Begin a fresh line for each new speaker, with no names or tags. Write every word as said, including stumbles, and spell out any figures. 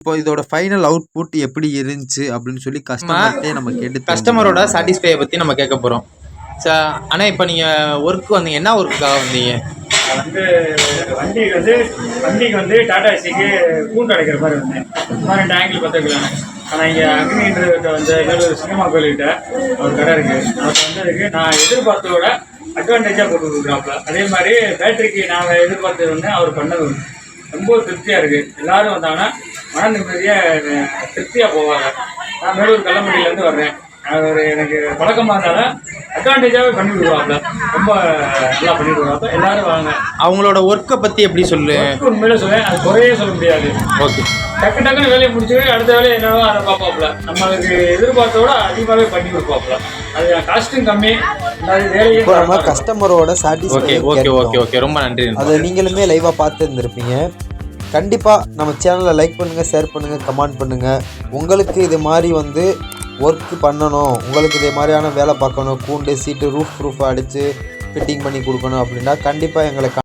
இப்போ இதோட final output எப்படி இருந்துச்சு அப்படின்னு சொல்லி கஸ்டமர்கிட்டே நம்ம கேட்டு
கஸ்டமரோட சாட்டிஸ்ஃபையை பற்றி நம்ம கேட்க போகிறோம். ச ஆனால் இப்போ நீங்கள் ஒர்க் வந்தீங்க, என்ன ஒர்க்குக்காக வந்தீங்க?
வந்து வண்டிக்கு வந்து வண்டிக்கு வந்து டாடா ஏசிக்கு கூண்டு அடைக்கிற மாதிரி வந்தேன். இந்த மாதிரி ரெண்டு ஆங்கிள் பார்த்துக்கலாம். ஆனால் இங்கே அக்னின்றத வந்து வேலூர் சினிமா கோயில்கிட்ட ஒரு கடை இருக்குது. அவருக்கு வந்ததுக்கு நான் எதிர்பார்த்ததோட அட்வான்டேஜாக போட்டு கொடுக்குறாப்புல. அதே மாதிரி பேட்டரிக்கு நாங்கள் எதிர்பார்த்தது வந்து அவர் பண்ணது ரொம்ப திருப்தியாக இருக்குது. எல்லோரும் வந்தாங்கன்னா மன நிம்மதியாக திருப்தியாக போவாங்க. நான் வேலூர் கள்ளம்பட்டியிலேருந்து வர்றேன். அவர் எனக்கு பழக்கமாக இருந்தாலும் அட்வான்டேஜாகவே பண்ணி விடுவாங்க. ரொம்ப நல்லா பண்ணி விடுவாங்க. எல்லாரும் வாங்க.
அவங்களோட ஒர்க்கை பற்றி எப்படி சொல்லு?
உண்மையில சொல்லேன், அது குறையே சொல்ல முடியாது.
ஓகே,
டக்கு டக்குன்னு வேலையை முடிச்சுட்டு அடுத்த வேலையை என்னவோ அதை பார்ப்பாப்புல. நம்மளுக்கு எதிர்பார்த்தோட அதிகமாகவே பண்ணி கொடுப்பாப்புல. அது காஸ்ட்டும் கம்மி, அது வேலையும்
நம்ம கஸ்டமரோட satisfy.
Okay okay okay okay ரொம்ப நன்றி.
அதை நீங்களுமே லைவாக பார்த்து இருந்திருப்பீங்க. கண்டிப்பாக நம்ம சேனலை லைக் பண்ணுங்கள், ஷேர் பண்ணுங்கள், கமெண்ட் பண்ணுங்கள். உங்களுக்கு இது மாதிரி வந்து ஒர்க் பண்ணணும், உங்களுக்கு இதே மாதிரியான வேலை பார்க்கணும், கூண்டு சீட்டு ரூஃப் ப்ரூஃப் அடித்து ஃபிட்டிங் பண்ணி கொடுக்கணும் அப்படின்னா கண்டிப்பாக எங்களை